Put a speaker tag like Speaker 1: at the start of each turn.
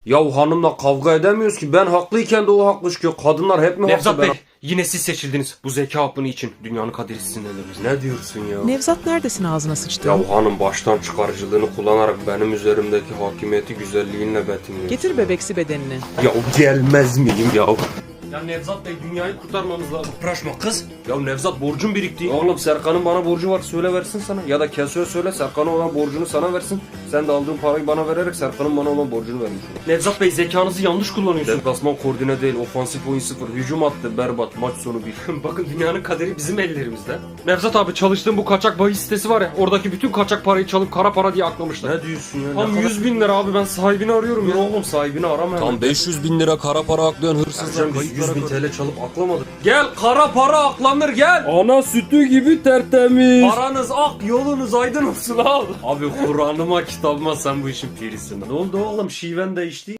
Speaker 1: Ya hanımla kavga edemiyoruz ki. Ben haklıyken de o haklı çıkıyor. Kadınlar hep mi
Speaker 2: Nevzat
Speaker 1: haklı?
Speaker 2: Bey, yine siz seçildiniz bu zeka hapını için. Dünyanın kaderi sizin ellerinizde.
Speaker 1: Ne diyorsun ya?
Speaker 3: Nevzat neredesin ağzına sıçtı?
Speaker 1: Ya hanım baştan çıkarıcılığını kullanarak benim üzerimdeki hakimiyeti güzelliğinle betimliyor.
Speaker 3: Getir bebeksi bedenini.
Speaker 1: Ya gelmez miyim ya?
Speaker 2: Ya Nevzat Bey, dünyayı kurtarmamız lazım.
Speaker 1: Uğraşma kız. Ya Nevzat borcum birikti. Oğlum Serkan'ın bana borcu var, söyle versin sana. Ya da Keso'ya söyle Serkan'a olan borcunu sana versin. Sen de aldığın parayı bana vererek Serkan'ın bana olan borcunu vermiş olur.
Speaker 2: Nevzat Bey, zekanızı yanlış kullanıyorsunuz.
Speaker 1: Deplasman koordine değil, ofansif oyun 0. Hücum attı, berbat, maç sonu 1.
Speaker 2: Bakın, dünyanın kaderi bizim ellerimizde. Nevzat abi, çalıştığım bu kaçak bahis sitesi var ya, oradaki bütün kaçak parayı çalıp kara para diye aklamışlar.
Speaker 1: Ne diyorsun ya?
Speaker 2: Tam 100 bin lira abi, ben sahibini arıyorum
Speaker 1: Dur
Speaker 2: ya.
Speaker 1: oğlum sahibini arama hemen.
Speaker 4: Tam 500 bin lira kara para aklayan hırsızlar
Speaker 1: Biz
Speaker 4: kayıtlara
Speaker 1: 100 bin
Speaker 4: koy.
Speaker 1: TL çalıp aklamadık.
Speaker 2: Gel, kara para aklanır, gel.
Speaker 1: Ana sütü gibi tertemiz.
Speaker 2: Paranız ak, yolunuz aydın olsun al.
Speaker 1: Abi Kur'an'ıma kitabıma sen bu işin pirisin. Ne oldu oğlum, şiven değişti.